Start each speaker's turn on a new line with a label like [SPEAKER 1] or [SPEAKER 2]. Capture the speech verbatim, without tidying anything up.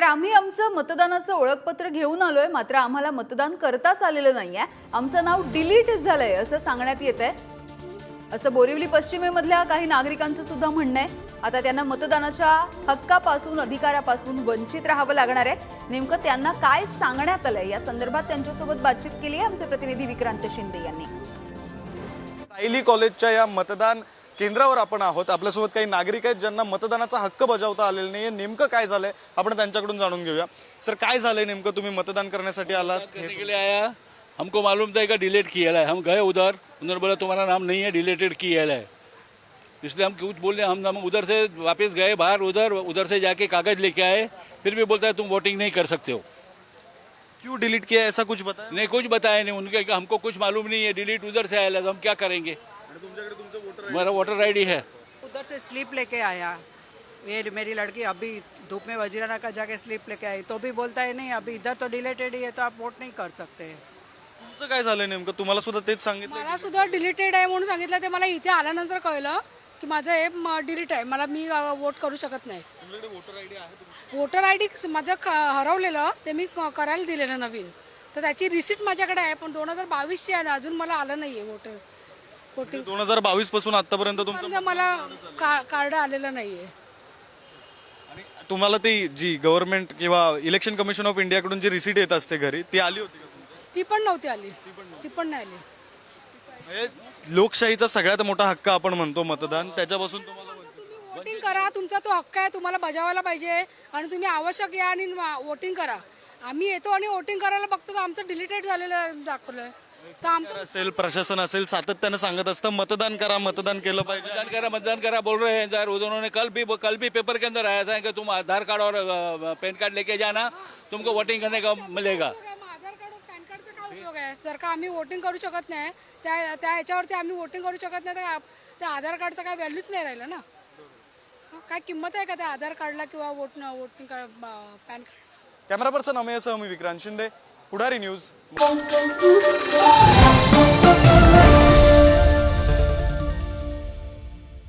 [SPEAKER 1] आम्ही आमचं मतदानाचं ओळखपत्र घेऊन आलोय, मात्र आम्हाला मतदान करताच आलेलं नाहीये. आमचं नाव डिलीट झालंय असं सांगण्यात येतंय. असं बोरिवली पश्चिमेमधल्या काही नागरिकांचं सुद्धा म्हणणं आहे. आता त्यांना मतदानाच्या हक्कापासून, अधिकारापासून वंचित राहावं लागणार आहे. नेमकं त्यांना काय सांगण्यात आलंय या संदर्भात त्यांच्यासोबत बातचीत केली आहे आमचे प्रतिनिधी विक्रांत शिंदे यांनी.
[SPEAKER 2] सायली कॉलेजच्या या मतदान केंद्रावर आपण आहोत. आपल्यासोबत काही नागरिक आहेत ज्यांना मतदानाचा हक्क बजावता आलेला नाहीये. नेमकं काय झालंय आपण त्यांच्याकडून जाणून घेऊया. सर, काय झालंय नेमकं? तुम्ही मतदान करण्यासाठी आलात?
[SPEAKER 3] करने के लिए आया, हमको मालूम था कि डिलीट किया है। हम गए उधर, उन्होंने बोला तुम्हारा नाम नहीं है, डिलीटेड किया है, इसलिए हम कुछ बोल रहे हम हम उधर से वापस गए बाहर, उधर उधर से जाके कागज लेके आए, फिर भी बोलता है तुम वोटिंग नहीं कर सकते हो।
[SPEAKER 2] क्यों डिलीट किया, ऐसा कुछ बताया?
[SPEAKER 3] नहीं, कुछ बताया नहीं उनके, हमको कुछ मालूम नहीं है, डिलीट उधर से आया, तो हम क्या करेंगे? मेरा वोटर आई डी है।
[SPEAKER 4] उधर से स्लिप लेके आया, ये मेरी लड़की अभी धूप में वजीराना का जाके स्लिप लेके आई, तो भी बोलता है नहीं अभी इधर तो डिलीटेड ही है, तो आप वोट नहीं कर सकते।
[SPEAKER 2] तुमचं काय झालंय नेमकं? तुम्हाला सुद्धा तेच सांगितलं?
[SPEAKER 5] मला सुद्धा डिलीटेड आहे म्हणून सांगितलं. ते मला इथे आल्यानंतर कळलं की माझं हे डिलीट आहे, मला मी वोट करू शकत नाही. वोटर आय डी माझं हरवलेलं, ते मी करायला दिलेलं नवीन, तर त्याची रिसिट माझ्याकडे आहे, पण दोन हजार बावीसची आहे, अजून मला आलं नाहीये वोटर वोटिंग.
[SPEAKER 2] दोन हजार बावीस पासून आतापर्यंत तुमचं
[SPEAKER 5] मला कार्ड आलेलं नाहीये.
[SPEAKER 2] आणि तुम्हाला ती जी गव्हर्नमेंट किंवा इलेक्शन कमिशन ऑफ इंडिया कडून जी रिसीट येत असते घरी, ती आली होती का तुमच्या?
[SPEAKER 5] ती पण नव्हती आली, ती पण नाही आली.
[SPEAKER 2] म्हणजे लोकशाहीचा सगळ्यात मोठा हक्क आपण म्हणतो मतदान, त्याच्यापासून तुम्हाला
[SPEAKER 5] वोटिंग करा, तुमचा तो हक्क आहे, तुम्हाला बजावायला पाहिजे आणि तुम्ही आवश्यक या आणि वोटिंग करा. आम्ही येतो आणि वोटिंग करायला बघतो तर आमचं डिलीटेड झालेलं दाखवलंय. तर आमचं
[SPEAKER 2] असेल, प्रशासन असेल, सातत्यानं सांगत असतं मतदान करा, मतदान केलं पाहिजे.
[SPEAKER 3] मतदान करा, मतदान करा बोल रहे हैं सर। उन्होंने कल भी कल भी पेपर के अंदर आया था कि तुम आधार कार्ड और पैन कार्ड लेके जाना, तुमको वोटिंग करने का मिलेगा।
[SPEAKER 5] आधार कार्ड और पॅन कार्डचा काय उपयोग आहे? जर का आम्ही वोटिंग करू शकत नाही, त्या त्या ह्याच्यावरती आम्ही वोटिंग करू शकत नाही, तर त्या आधार कार्डचा काय व्हॅल्यूच नाही राहिलं ना. काय किंमत आहे का त्या आधार कार्डला किंवा vote voting pan card?
[SPEAKER 2] Camera person अमेयसह मी विक्रांत शिंदे, पुढारी न्यूज.